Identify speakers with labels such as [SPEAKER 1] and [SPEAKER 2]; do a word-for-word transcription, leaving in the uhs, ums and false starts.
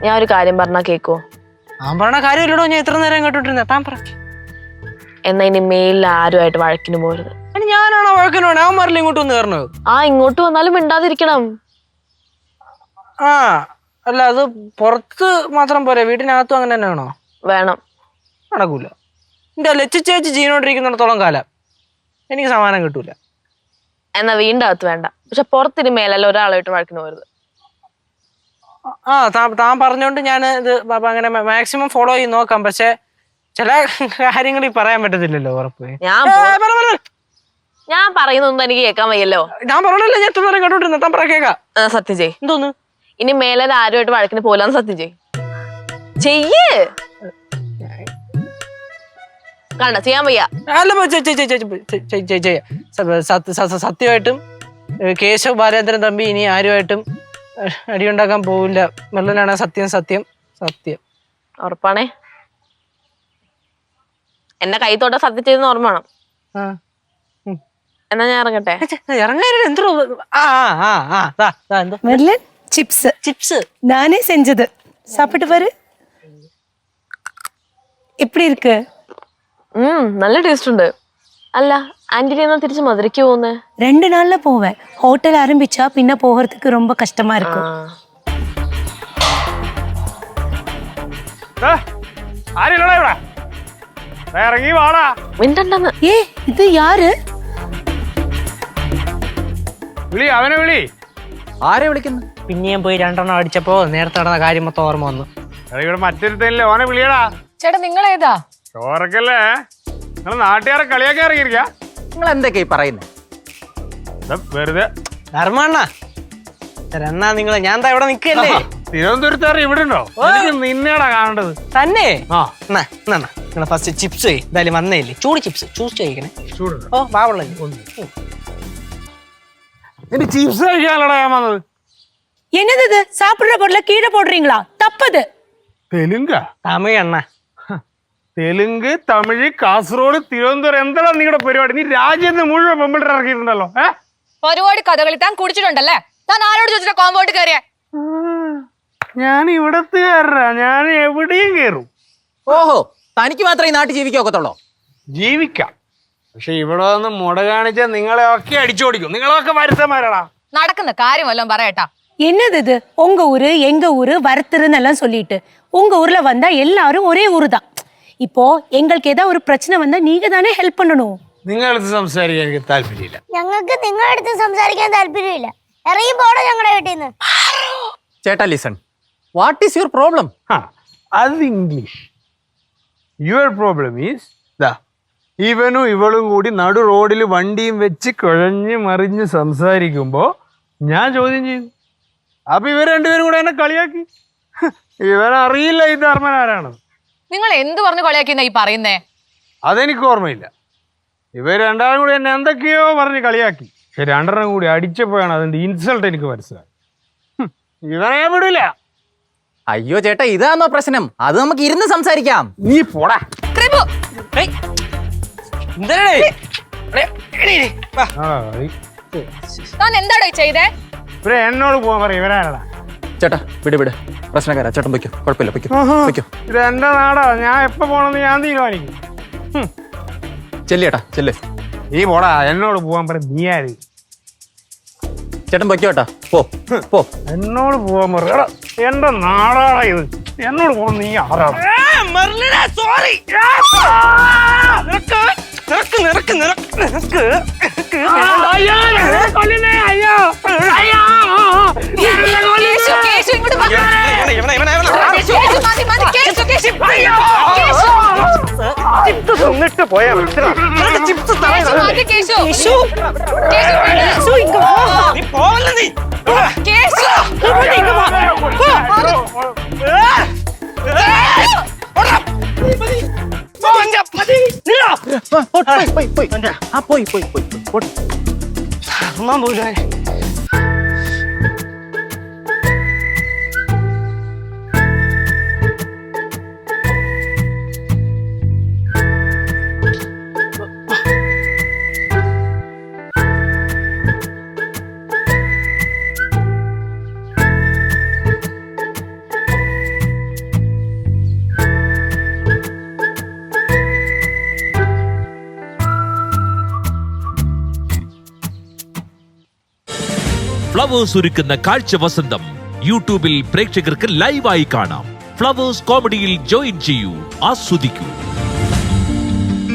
[SPEAKER 1] ഞാൻ ഒരു കാര്യം പറഞ്ഞാ കേക്കോ?
[SPEAKER 2] ഞാൻ പറഞ്ഞ കാര്യമില്ലടോ, ഞാൻ എത്ര നേരം കേട്ടോണ്ടിരുന്ന. താൻ പറ.
[SPEAKER 1] എന്നാ ഇനി മേലിൽ ആരുമായിട്ട് വഴക്കിന് പോരുത്.
[SPEAKER 2] ഞാനാണോ വഴക്കിന് പോണേ? അവൻ മറില്ല ഇങ്ങോട്ട് വന്ന് കയറണത്.
[SPEAKER 1] ആ ഇങ്ങോട്ട് വന്നാലും മിണ്ടാതിരിക്കണം.
[SPEAKER 2] ആ അല്ല, അത് പുറത്ത് മാത്രം പോരെ, വീട്ടിനകത്തും അങ്ങനെ തന്നെ വേണോ?
[SPEAKER 1] വേണം.
[SPEAKER 2] നടക്കൂല. എന്റെ ലച്ചു ചേച്ചി ജീവനോട്ടിരിക്കുന്നിടത്തോളം കാലം എനിക്ക് സമാധാനം കിട്ടൂല.
[SPEAKER 1] എന്നാ വീണ്ടും അകത്ത് വേണ്ട. പക്ഷെ പുറത്തിന് മേലല്ല ഒരാളായിട്ട് വഴക്കിന് പോരുത്.
[SPEAKER 2] ആ താ താൻ പറഞ്ഞോണ്ട് ഞാൻ ഇത് അങ്ങനെ മാക്സിമം ഫോളോ ചെയ്ത് നോക്കാം. പക്ഷെ ചില കാര്യങ്ങൾ ഈ പറയാൻ പറ്റത്തില്ലല്ലോ. ഉറപ്പ്
[SPEAKER 1] ഞാൻ ഞാൻ പറയുന്നൊന്നും എനിക്ക് കേൾക്കാൻ വയ്യല്ലോ.
[SPEAKER 2] ഞാൻ പറഞ്ഞല്ലോ, ഞാൻ എത്ര നേരം കേട്ടോണ്ടിരുന്ന. താൻ പറ കേൾക്കാം.
[SPEAKER 1] സത്യം ചെയ്.
[SPEAKER 2] എന്തോന്ന്?
[SPEAKER 1] ഇനി മേലെ ആരുമായിട്ട് വഴക്കിന് പോലാന്ന് സത്യം ചെയ്. ചെയ്യ്. കണ്ട ചെയ്യാൻ വയ്യ.
[SPEAKER 2] സത്യമായിട്ടും കേശവ് ബാലേന്ദ്രൻ തമ്പി ഇനി ആരുമായിട്ടും അടിയുണ്ടാക്കാൻ പോവില്ല. മെല്ലനാണ് സത്യം സത്യം സത്യം.
[SPEAKER 1] ഉറപ്പാണേ? എന്നെ കൈത്തോട്ട സത്യം ചെയ്തെന്ന് ഓർമ്മ വേണം. എന്നാ ഞാൻ ഇറങ്ങട്ടെ.
[SPEAKER 2] ഇറങ്ങാൻ എന്തോ
[SPEAKER 3] சிப்ஸ் சிப்ஸ் நானே செஞ்சது. சாப்பிட்டு பாரு, எப்படி இருக்கு?
[SPEAKER 1] ம் நல்ல டேஸ்ட் ഉണ്ട്. അല്ല ആന്റിനെ എന്നാ തിരിച്ച് മധുരയ്ക്ക് പോകുന്നേ?
[SPEAKER 3] ரெண்டு நாள்ல போவேன். ஹோட்டல் ஆரம்பிச்சா பின்ன போகிறதுக்கு ரொம்ப கஷ்டமா இருக்கும்.
[SPEAKER 4] ആരെടാ ഇവിടെ? ഇറങ്ങി വാടാ.
[SPEAKER 1] മിണ്ടണ്ടെന്ന്.
[SPEAKER 3] ഏ ഇത് யாரு?
[SPEAKER 4] വിളി, അവനെ വിളി.
[SPEAKER 5] ആരെ വിളിക്കുന്നു?
[SPEAKER 2] പിന്നെയും പോയി രണ്ടെണ്ണം അടിച്ചപ്പോ നേരത്തെ നടന്ന കാര്യം മൊത്തം ഓർമ്മ വന്നു.
[SPEAKER 4] ഇവിടെ മറ്റൊരുത്തല്ലേ, ഓനെ വിളിയടാ.
[SPEAKER 6] ചേട്ടാ നിങ്ങൾ ഏതാ?
[SPEAKER 4] ചോറക്കല്ലേ? നിങ്ങൾ നാട്ടുകാരെ കളിയാക്കി ഇറങ്ങിയിരിക്കാ?
[SPEAKER 5] നിങ്ങൾ എന്തൊക്കെയാ പറയുന്നത്?
[SPEAKER 4] വെറുതെ
[SPEAKER 2] ധർമ്മണ്ണ എന്നാ നിങ്ങള് ഞാൻ എന്താ ഇവിടെ നിക്കല്ലേ?
[SPEAKER 4] തിരുവനന്തപുരത്തുകാർ ഇവിടെ ഉണ്ടോ? നിന്നെയാടാ കാണേണ്ടത്.
[SPEAKER 2] തന്നെ?
[SPEAKER 4] ആ
[SPEAKER 2] നിങ്ങളെ ഫസ്റ്റ് ചിപ്സ് എന്തായാലും വന്നേല്ലേ, ചൂട് ചിപ്സ് ചൂസ് കഴിക്കണേ.
[SPEAKER 4] ചൂട്
[SPEAKER 2] ഓ ബാവുള്ള
[SPEAKER 4] നിന്റെ ചിപ്സ് കഴിക്കാനല്ലടാ ഞാൻ വന്നത്.
[SPEAKER 3] என்னது இது? சாப்பிடுற பொருளை கீழே போடுறீங்களா? தப்பது.
[SPEAKER 4] തെലുങ്ക?
[SPEAKER 2] തമിഴ് അണ്ണ.
[SPEAKER 4] തെലുങ്ക്, തമിഴ്, കാസർഗോഡ്, തിരുവനന്തപുരം, എന്താണ് നിങ്ങളുടെ പരിപാടി? നീ രാജ്യത്ത് മുഴുവൻ പെമ്പിളർ ഇറക്കിയിട്ടുണ്ടല്ലോ. ഏഹ്
[SPEAKER 6] പരിപാടി കഥകളി താൻ കുടിച്ചിട്ടുണ്ടല്ലേ? താൻ ആരോട് ചോദിച്ചിട്ട് കോമ്പൗണ്ട് കയറിയ?
[SPEAKER 4] ഞാൻ ഇവിടത്തുകാരനാ, ഞാൻ എവിടെയും കയറും.
[SPEAKER 5] ഓഹോ, തനിക്ക് മാത്രമേ ഈ നാട്ടിൽ ജീവിക്കാക്കത്തുള്ളൂ?
[SPEAKER 4] ജീവിക്കാം, പക്ഷെ ഇവിടെ വന്ന് മുട കാണിച്ചാൽ നിങ്ങളെ ഒക്കെ അടിച്ചോടിക്കും. നിങ്ങളൊക്കെ വരുത്തന്മാരാടാ.
[SPEAKER 6] നടക്കുന്ന കാര്യം വല്ലതും പറയട്ടാ.
[SPEAKER 3] என்னது இது? உங்க ஊரு எங்க ஊரு வரத்துருன்னு எல்லாம் சொல்லிட்டு உங்க ஊர்ல வந்தா எல்லாரும் ஒரே ஊரு தான். இப்போ எங்களுக்கு ஏதாவது ஒரு பிரச்சனை வந்தா நீங்க தானே ஹெல்ப் பண்ணணும்.
[SPEAKER 4] നിങ്ങളടുത്ത് സംസാരിക്കാൻ എനിക്ക് താല്പര്യമില്ല.
[SPEAKER 7] ഞങ്ങൾക്ക് നിങ്ങളുടെ അടുത്ത് സംസാരിക്കാൻ താല്പര്യമില്ല. ഇറങ്ങി പോടോ ഞങ്ങളുടെ വീട്ടിൽ നിന്ന്.
[SPEAKER 5] ചേട്ടാ listen, what is your problem?
[SPEAKER 4] അത് ഇംഗ്ലീഷ്. യുവർ പ്രോബ്ലം ഈസ് ദാ ഇവനും ഇവളും കൂടി നടു റോഡിൽ വണ്ടിയും വെച്ച് കുഴഞ്ഞ് മറിഞ്ഞ് സംസാരിക്കുമ്പോ ഞാൻ ചോദ്യം ചെയ്തു. അപ്പൊ ഇവർ രണ്ടുപേരും കൂടെ എന്നെ കളിയാക്കി. ഇവനറിയില്ല ഈ ധർമ്മൻ ആരാണ്.
[SPEAKER 6] നിങ്ങൾ എന്ത് പറഞ്ഞു കളിയാക്കിയെന്നാ ഈ പറയുന്നേ?
[SPEAKER 4] അതെനിക്ക് ഓർമ്മയില്ല. ഇവർ രണ്ടാളും കൂടി എന്നെ എന്തൊക്കെയോ പറഞ്ഞ് കളിയാക്കി. പക്ഷെ രണ്ടെണ്ണം കൂടി അടിച്ചപ്പോഴാണ് അതിന്റെ ഇൻസൾട്ട് എനിക്ക് മനസ്സിലായി. ഇവനെ ഞാൻ വിടില്ല.
[SPEAKER 5] അയ്യോ ചേട്ടാ, ഇതാണോ പ്രശ്നം? അത് നമുക്ക് ഇരുന്ന് സംസാരിക്കാം.
[SPEAKER 4] നീ പോടാ.
[SPEAKER 6] താൻ എന്താടോ ചെയ്തേ?
[SPEAKER 4] ഇവരെ എന്നോട് പോവാൻ പറയും. ഇവരാരടാ?
[SPEAKER 5] ചേട്ടാ വിട് വിട്, പ്രശ്നക്കാരാ. ചേട്ടൻ പൊയ്ക്കോ, കുഴപ്പമില്ല, പൊയ്ക്കോ പൊയ്ക്കോ.
[SPEAKER 4] ഇത് എന്റെ നാടാ, ഞാൻ എപ്പോ പോണെന്ന് ഞാൻ തീരുമാനിക്കും.
[SPEAKER 5] ചെല്ലേട്ടാ ചെല്ല്.
[SPEAKER 4] നീ പോടാ, എന്നോട് പോവാൻ പറയും. നീ ആര്?
[SPEAKER 5] ചേട്ടൻ പൊയ്ക്കോട്ടാ, പോ പോ.
[SPEAKER 4] എന്നോട് പോവാൻ പറയടാ. എന്റെ നാടാടാ ഇത്. എന്നോട് പോകാൻ നീ ആരാടാ?
[SPEAKER 2] സോറി. നിറക്ക് നിറക്ക് നിറക്ക് നിറക്ക്.
[SPEAKER 4] എന്നിട്ട് പോയാ ചിപ്സ്
[SPEAKER 2] നീ പോവല്ല നീ.
[SPEAKER 5] പോയി പോയി പോയി
[SPEAKER 2] പോയി
[SPEAKER 8] ഫ്ലവേഴ്സ് ഒരുക്കുന്ന കാഴ്ച വസന്തം യൂട്യൂബിൽ പ്രേക്ഷകർക്ക് ലൈവായി കാണാം. ഫ്ലവേഴ്സ് കോമഡിയിൽ ജോയിൻ ചെയ്യൂ, ആസ്വദിക്കൂ.